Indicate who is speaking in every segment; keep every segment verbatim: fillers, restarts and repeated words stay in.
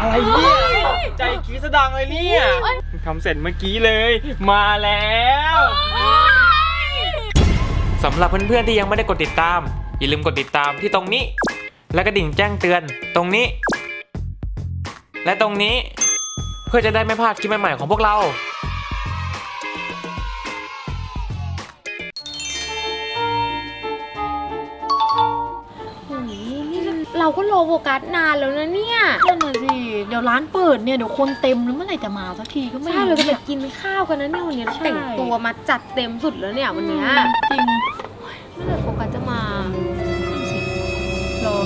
Speaker 1: อะไรเนี่ยใจกีสดังเลยเนี่ยทำเสร็จเมื่อกี้เลยมาแล้วสำหรับเพื่อนๆที่ยังไม่ได้กดติดตามอย่าลืมกดติดตามที่ตรงนี้และกระดิ่งแจ้งเตือนตรงนี้และตรงนี้เพื่อจะได้ไม่พลาดคลิปใหม่ๆของพวกเรา
Speaker 2: เราก็รอโฟกัสนานแล้วนะเนี่ย
Speaker 3: นั่นน่ะสิเดี๋ยวร้านเปิดเนี่ยเดี๋ยวคนเต็มแล้วเมื่อไหร่จะมาสักทีก็ไม่
Speaker 2: ใช่เราจะไปกินข้าวกันนะเนี่ยวันนี้แต่งตัวมาจัดเต็มสุดแล้วเนี่ยวันนี้
Speaker 3: จริง
Speaker 2: เมื่อไหร่โฟกัสจะมา
Speaker 3: รอ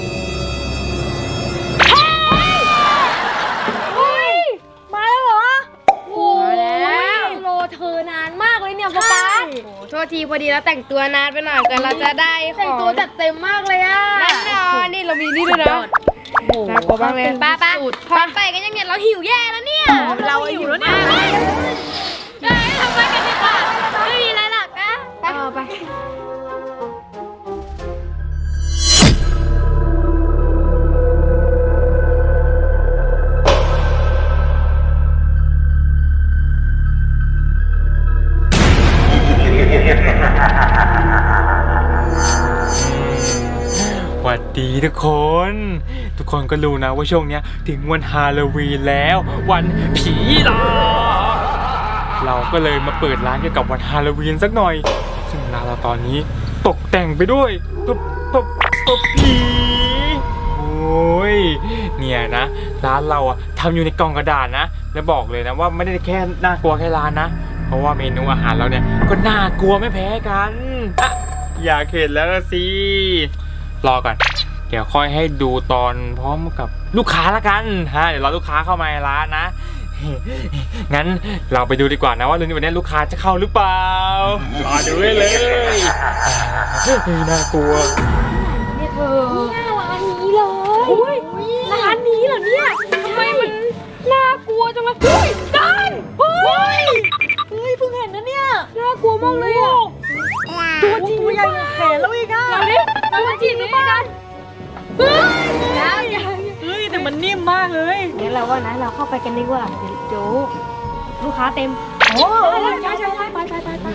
Speaker 3: มาแล้วเหรอ
Speaker 2: โอ้แล้วรอเธอนานมากเลยเนี่ยโฟกัสโอ้โทษทีพอดีแล้วแต่งตัวนานไปหน่อยกันเราจะได้แต่งตัวจัดเต็มมากเลยอ่ะแน่นอนนี่เรามีนี่ด้วยนะน่ากลัวมากเลยป้าป้าพอไปกันยังเนี่ยเราหิวแย่แล้วเนี่ย
Speaker 3: เราหิวแล้วเนี่ย
Speaker 2: ทำไมกันดีกว่าไม่มีอะไรหรอกนะไปไป
Speaker 1: สวัสดีทุกคนทุกคนก็รู้นะว่าช่วงนี้ถึงวันฮาโลวีนแล้ววันผีหลอกเราก็เลยมาเปิดร้านเกี่ยวกับวันฮาโลวีนสักหน่อยซึ่งร้านเราตอนนี้ตกแต่งไปด้วยตุ๊บตุ๊บตุ๊บผีโอ้ยเนี่ยนะร้านเราอะทำอยู่ในกล่องกระดาษนะและบอกเลยนะว่าไม่ได้แค่น่ากลัวแค่ร้านนะเพราะว่าเมนูอาหารเราเนี่ยก็น่ากลัวไม่แพ้กันอะอยากเห็นแล้วสิรอก่อนเดี๋ยวค่อยให้ดูตอนพร้อมกับลูกค้าละกันฮะเดี๋ยวรอลูกค้าเข้ามาในร้านนะงั้นเราไปดูดีกว่านะว่าวันนี้ลูกค้าจะเข้าหรือเปล่ารอดูเลยน่ากลัว
Speaker 2: เนี่ยเธอเนี่ยร้านนี้เลยร้านนี้เหรอเนี่ยทำไมมันน่ากลัวจังเลยเฮ้ยกันเฮ้ย
Speaker 3: เฮ้ยเพิ่งเห็นนะเนี่ย
Speaker 2: น่ากลัวมากเลยอ่ะ
Speaker 3: ตัวจริงใหญ่แขนแล้วอีกอ่ะ
Speaker 2: เราดิตัวจริงหรือเปล่าเฮ้ย
Speaker 3: เฮ้ยแต่มันนิ่มมากเลย
Speaker 2: งั้นเราว่านะเราเข้าไปกันดีกว่าเดี๋ยวลูกค้าเต็ม
Speaker 3: โอ้ใช่ใช่ใช่ไปไปไปไป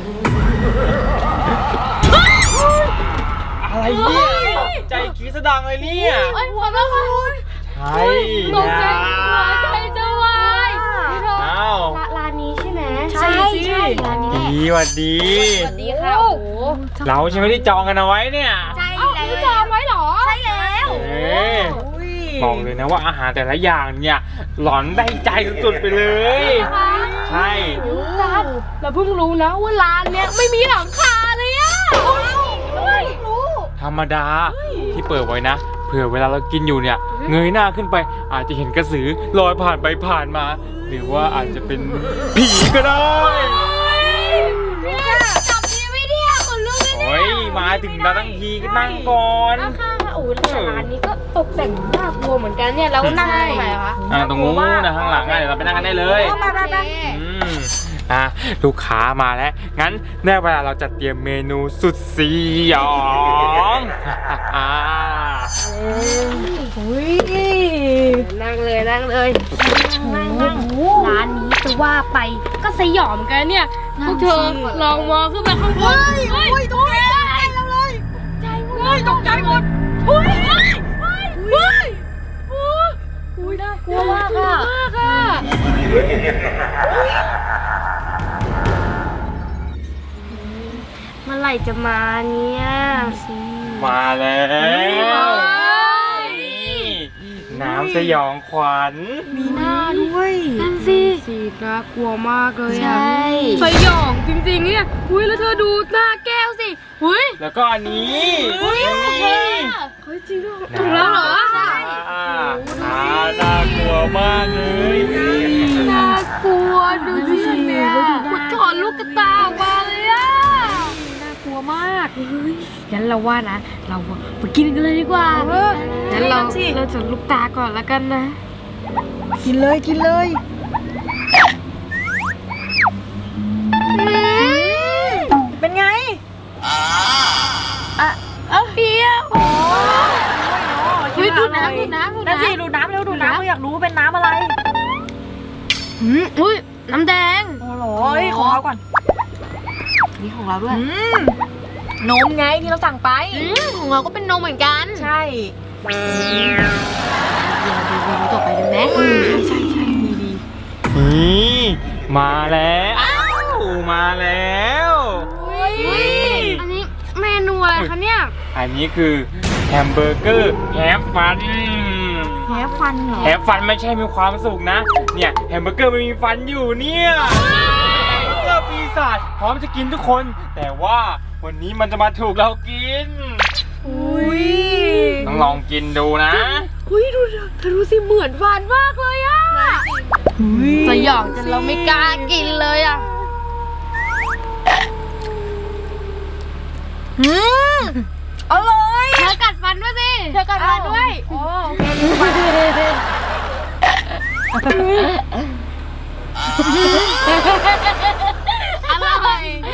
Speaker 1: อะไรเนี่ยใจกีสดังเลยเนี่ย
Speaker 2: ไอ้หัวเราะ
Speaker 1: ใช่
Speaker 2: ตกใจหัวใจจะวาย
Speaker 1: อ้าว
Speaker 2: ร้านนี้ใช่ไหม
Speaker 3: ใช่ใช่
Speaker 2: ร้านนี้
Speaker 1: ดีสวัสดี
Speaker 2: สวัสดีค่ะโอ้โห
Speaker 1: เราใช่ไหมที่จองกันเอาไว้เนี่ย
Speaker 2: ใช่แล้วจองไว้หรอใช่แล้ว
Speaker 1: บอกเลยนะว่าอาหารแต่ละอย่างเนี่ยหลอนได้ใจสุดๆไปเลยใช่
Speaker 2: เราเพิ่งรู้นะว่าร้านเนี้ยไม่มีหลังคาเลยอะ
Speaker 1: ธรรมดาที่เปิดไว้นะเผื่อเวลาเรากินอยู่เนี่ยเงยหน้าขึ้นไปอาจจะเห็นกระสือลอยผ่านไปผ่านมาหรือว่าอาจจะเป็นผีก็ได้
Speaker 2: จับดีไม่ดีคนลุกเลย
Speaker 1: โอ้ยมาถึงเราตั้งทีก็นั่งก่อน
Speaker 2: ค่ะโอ้แต่ร้านนี้ก็ตกแต่งน่ากลัวเหมือนกันเนี่ยแล้วนั่งตรงไหนคะ
Speaker 1: อ่าตรงนู้นนะข้างหลังเดี๋ยวเราไปนั่งกันได้เลยอืมอ่ะลูกค้ามาแล้วงั้นได้เวลาเราจะเตรียมเมนูสุดสยองอ่า
Speaker 2: นั่งเลยนั่งเลยนั่งนั่งร้านนี้จะว่าไปก็สยองเหมือนกันเนี่ยพวกเธอลองมองขึ้นไปข้างบน
Speaker 3: เฮ้ยตกใจเราเลย
Speaker 2: ใจหมด
Speaker 3: เฮ้ยตกใจหมด
Speaker 2: เฮ้ยเฮ้ยเฮ้ยอุ้ยน่ากลัวมากอะมากอะเมื่อไหร่จะมาเนี่ย
Speaker 1: มาแล้วน้ำสยองขวัญ
Speaker 3: มีหน้าด้วย
Speaker 2: นั่นสิสีน่ากลัวมากเลยอ่ะใช่สยองจริงๆเนี่ยอุ้ยแล้วเธอดูหน้าแก้วสิอุ้ย
Speaker 1: แล้วก็อันนี้
Speaker 2: อุ้ยเฮ้ยจริงด้วยถูกแล้วเหรอใช่
Speaker 1: น่ากลัวมากเลย
Speaker 2: น่ากลัวดูสิเนี่ยมันถอนลูกกระตาออกมาเลยอ่ะน่ากลัวมากงั้นเราว่านะเราไปกินกันเลยดีกว่างั้นเราเราจะลูกตาก่อนแล้วกันนะ
Speaker 3: กินเลยกินเลยเป็นไง
Speaker 2: อ่ะเออเปรี้ยวเฮ้ยดูน้ำดูน้ำดูน้ำ
Speaker 3: นั่นสิดูน้ำเร็วดูน้ำอยากรู้ว่าเป็นน้ำอะไร
Speaker 2: อืมอุ้ยน้ำแดง
Speaker 3: โอ้โหเอ้ยของเราก่อน
Speaker 2: นี่ของเราด้วย
Speaker 3: อืมนมไงที่เราสั่งไป
Speaker 2: อืมของเราก็เป็นนมเหมือนกัน
Speaker 3: ใช่
Speaker 2: เดี๋ยวดูเมนูต่อไปเลยไหม
Speaker 3: ใช่ใช่ใช่ดีดี
Speaker 1: นี่มาแล้วอ้าวมาแล้ว
Speaker 2: อุ้ยอันนี้เมนูอะไรคะเนี่ย
Speaker 1: อันนี้คือแฮมเบอร์เกอร์แฮฟฟัน
Speaker 3: แพ้ฟันเหรอ
Speaker 1: แฮฟฟันไม่ใช่มีความสุขนะ เนี่ยแฮมเบอร์เกอร์มันมีฟันอยู่เนี่ยแฮมเบอร์เกอร์ปีศาจพร้อมจะกินทุกคน แต่ว่าวันนี้มันจะมาถูกเรากิน
Speaker 3: อุ้ย
Speaker 1: ต้องลองกินดูนะ
Speaker 2: อุ้ยดูเธอดูสิเหมือนฟันมากเลยอะสยองจนเราไม่กล้ากินเลยอะ
Speaker 3: อืมอร่อย
Speaker 2: เธอกัดฟันด้วยสิเธอกัดฟันด้วย
Speaker 3: โอ้โอเครู้ฟัน
Speaker 2: อร่อย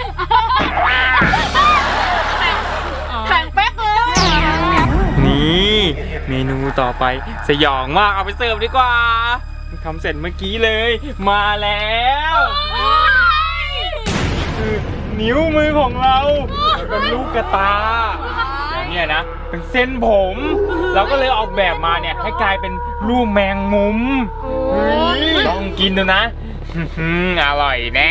Speaker 3: แข็งเป๊กเลย
Speaker 1: นี่เมนูต่อไปสยองมากเอาไปเสิร์ฟดีกว่าทำเสร็จเมื่อกี้เลย มาแล้วคือนิ้วมือของเราแล้วก็ลูกกระตาแล้วเนี่ยนะเป็นเส้นผม เราก็เลยออกแบบมาเนี่ยให้กลายเป็นรูปแมงมุมเฮ้ยลองกินดูนะอื้อหืออร่อยแน่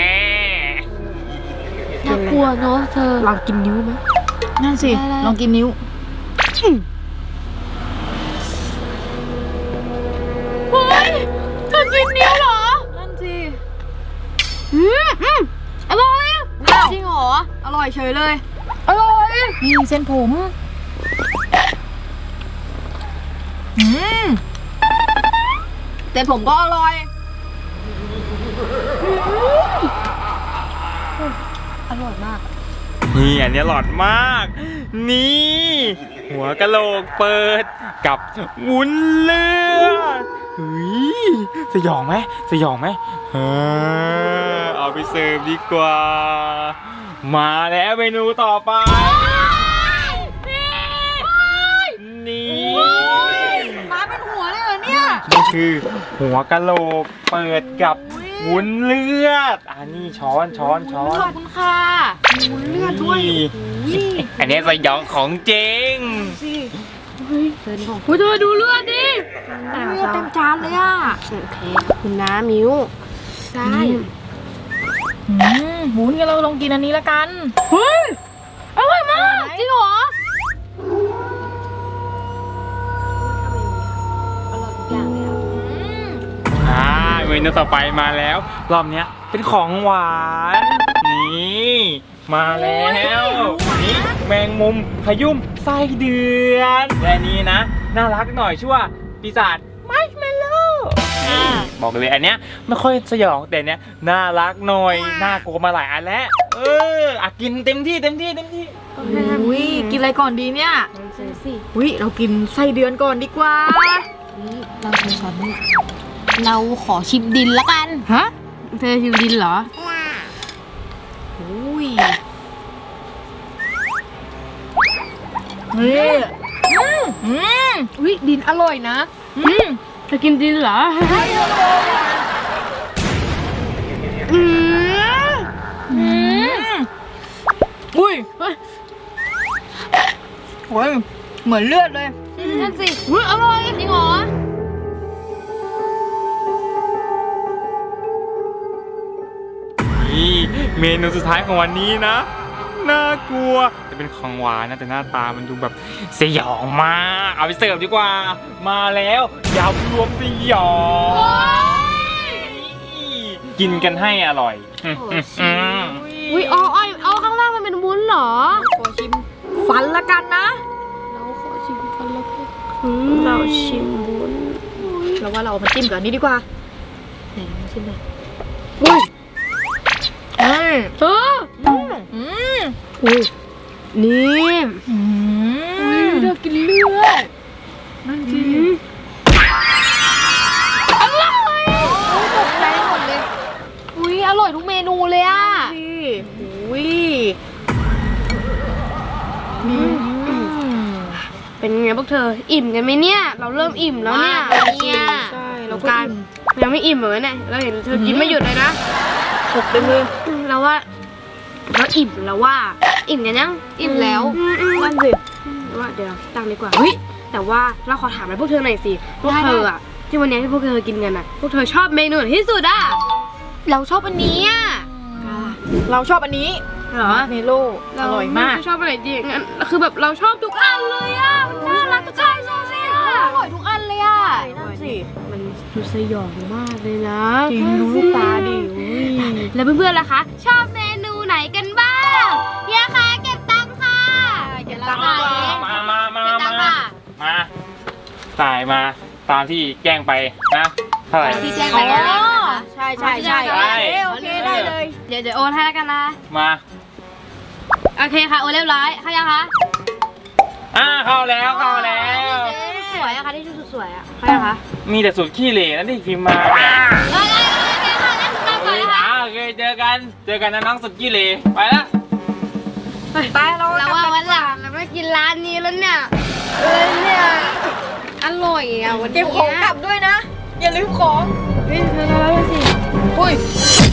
Speaker 2: น่ากลัวเนาะเธอลองกินนิ้วไหม
Speaker 3: นั่นสิ
Speaker 2: ได้ได้
Speaker 3: ลองกินนิ้ว
Speaker 2: เฮ้ยเธอกินนิ้วเหรอ
Speaker 3: นั่นสิ
Speaker 2: อืมอืมอร่อย
Speaker 3: อ้าว
Speaker 2: จริงเหรอ
Speaker 3: อร่อยเฉยเลย
Speaker 2: อร่อย
Speaker 3: นี่เส้นผมอืมแต่ผมก็อร่อย อร่อยมาก
Speaker 1: นี่อันนี้หลอดมาก นี่ หัวกะโหลกเปิดกับวุ้นเลือดเฮ้ยสยองไหมสยองไหมเออเอาไปเสิร์ฟดีกว่า มาแล้วเมนูต่อไป นี่
Speaker 3: มาเป็นหัวเลยเหรอเนี่ย
Speaker 1: นี่คือหัวกะโหลกเปิดกับวุ้นเลือดอันนี้ช้อนช้อนช้อน
Speaker 2: ขอบคุณค่ะมีวุ้นเลือดด้วย
Speaker 1: นี่อันนี้สยองของจริง
Speaker 2: เธอของเธอดูเลือดดิ
Speaker 3: เลือดเต็มจานเลยอ่ะ
Speaker 2: โอเคขอบคุณนะมิวใช่
Speaker 3: อืมหมุนกันเราลองกินอันนี้ละกัน
Speaker 2: เฮ้ยอร่อยมากจริงเหรออร่อยทุกอย่างเลยอ่ะ
Speaker 1: อ่าเมนูต่อไปมาแล้ว รอบเนี้ยเป็นของหวาน นี่มาแล้วนี่แมงมุมขยุ่มไส้เดือนและนี้นะน่ารักหน่อยชื่อว่าปีศาจมัชเมลโล่นี่บอกเลยอันเนี้ยไม่ค่อยสยองแต่เนี้ยน่ารักหน่อยน่ากลัวมาหลายอันแล้วเอออ่ะกินเต็มที่เต็มที่เต็มที่
Speaker 3: อุ้ยกินอะไรก่อนดีเนี่ย
Speaker 2: เซ็สิ
Speaker 3: อุ้ยเรากินไส้เดือนก่อนดีกว่า
Speaker 2: นี่เราชิมก่อนนี่เราขอชิมดินละกัน
Speaker 3: ฮะ
Speaker 2: เธอชิมดินเหรอ
Speaker 3: อุ้ยนี่อืมอืม
Speaker 2: อุ้ยดินอร่อยนะ
Speaker 3: อืม
Speaker 2: เธอกินดินเหรออืม
Speaker 3: อืมอุ้ยเฮ้ยโอ้ยเหมือนเลือดเลย
Speaker 2: นั่นสิอุ้ยอร่อยจริงเหรอ
Speaker 1: นี่เมนูสุดท้ายของวันนี้นะ น่ากลัวจะเป็นของหวานนะแต่หน้าตามันดูแบบสยองมากเอาไปเสิร์ฟดีกว่า มาแล้วยำรวมสยองกินกันให้อร่อยอืมอืมอืม
Speaker 2: อุ้ยอ๋ออ้อยเอาข้างล่างมันเป็นวุ้นเหรอ
Speaker 3: ขอชิมฟันละกันนะ
Speaker 2: เราขอชิมกันแล้วก็เราชิมวุ้น
Speaker 3: เราว่าเราเอามาจิ้มกับอันนี้ดีกว่า
Speaker 2: ไหนมาชิมหน่อย
Speaker 3: อุ้ยอืม
Speaker 2: เออ
Speaker 3: อืมอืม
Speaker 2: อุ้ยนี่
Speaker 3: อื
Speaker 2: อุ้ย
Speaker 3: ม
Speaker 2: เธอกินเลือด
Speaker 3: นั่นสิ
Speaker 2: อร่อยตกใจหมดเลย อุ้ยอร่อยทุกเมนูเลยอ่ะ
Speaker 3: อุ้ยอืม
Speaker 2: เป็นไงพวกเธออิ่มกันไหมเนี่ยเราเริ่มอิ่มแล้วเนี่ยเนี่ย
Speaker 3: ใช่เราก็
Speaker 2: การ
Speaker 3: อิ่ม
Speaker 2: ยังไม่อิ่มเหมือนเนี่ยเราเห็นเธอกินไม่หยุดเลยนะ
Speaker 3: หกเต็มเลย
Speaker 2: เราว่าเราอิ่มแล้วว่าอิ่มกันยังอิ่มแล้ว
Speaker 3: นั่นสิ
Speaker 2: ว่าเดี๋ยวเราตั้งดีกว่าเฮ้ยแต่ว่าเราขอถามอะไรพวกเธอหน่อยสิพวกเธออะที่วันนี้ที่พวกเธอกินกันอะพวกเธอชอบเมนูไหนที่สุดอะเราชอบอันนี้อะ
Speaker 3: เราชอบอันนี้
Speaker 2: เหรอ
Speaker 3: เมโลอร่อยมาก
Speaker 2: เชอบอะไรจริงงั้นคือแบบเราชอบทุกอันเลยอะมันน่ารักทุกอันเลยอะอร่อยทุกอันเลยอะ
Speaker 3: นั่นสิ
Speaker 2: มันดูสยองมากเลยนะ
Speaker 3: จริงดูลูกตาดิอุ้ย
Speaker 2: แล้วเพื่อนๆล่ะคะชอบเมนูไหนกันบ้างเฮียคะเก็บตังค์ค่ะเก็บตังค์ค่ะเอง
Speaker 1: มามามา
Speaker 2: เก็บตั
Speaker 1: มาง
Speaker 2: ค์ค่ะ
Speaker 1: มาจ่ายมาตามที่แจ้งไปนะเท่าไหร่
Speaker 2: ที่แจ้งไปแล้วนะคะ
Speaker 3: ใช่ใช่ใช่
Speaker 1: ใช่
Speaker 3: โอเคได้เลย
Speaker 2: เดี๋ยวเดี๋ยวโอนให้แล้วกันนะ
Speaker 1: มา
Speaker 2: โอเคค่ะ โอนเรียบร้อยเข้ายังคะ
Speaker 1: อ่าเข้าแล้วเข้าแล้ว
Speaker 2: สวยอะค่ะที่ชุดสวยอะเข้ายังคะ
Speaker 1: มีแต่สุดขี้เหร่นะที่พิมพ์มา
Speaker 2: โอเคโอเคค่ะงั้นหนูกลับก่อนนะคะ
Speaker 1: อ่าโอเคเจอกันเจอกันนะน้องสุดขี้เหร่ไปละ
Speaker 3: ไปเรา
Speaker 2: เราว่าวันหลังเราไม่กินร้านนี้แล้วเนี่ยเออเนี่ยอร่อยอะวันนี้
Speaker 3: เก็บของกลับด้วยนะ อย่าลืมของ
Speaker 2: เฮ้ยเธอเราแล้วสิอุ้ย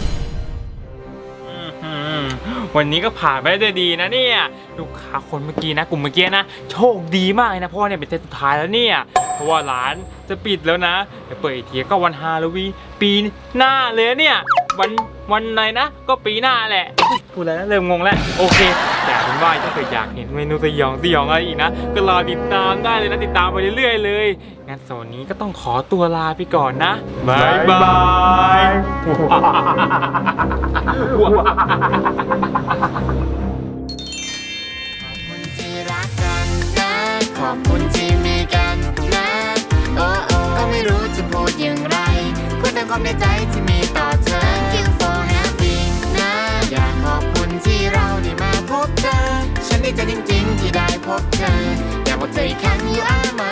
Speaker 1: อืมวันนี้ก็ผ่านไปได้ด้วยดีนะเนี่ยลูกค้าคนเมื่อกี้นะกลุ่มเมื่อกี้นะโชคดีมากเลยนะเพราะว่าเนี่ยเป็นเซตสุดท้ายแล้วเนี่ยเพราะว่าร้านจะปิดแล้วนะเดี๋ยวเปิดอีกทีก็วันฮาโลวีนปีหน้าเลยเนี่ยวันวันไหนนะ ก็ปีหน้าแหละพูดแล้วนะเริ่มงงแล้วโอเคแต่เป็นว่าถ้าเกิดอยากเห็นเมนูสยองสยองอะไรอีกนะก็รอติดตามได้เลยนะติดตามไปเรื่อยๆเลยงั้นสวันนี้ก็ต้องขอตัวลาไปก่อนนะบายบาย
Speaker 4: ที่รักกันนะ ขอบคุณที่มีกันนะ โอ้โอ้ก็ไม่รู้จะพูดอย่างไรพูดแต่ความในใจที่มีต่อเธอ Thank you for having นะ อยากขอบคุณที่เราได้มาพบเธอ ฉันดีใจจริงๆที่ได้พบเธอ อยากบอกเธออีกครั้ง you are my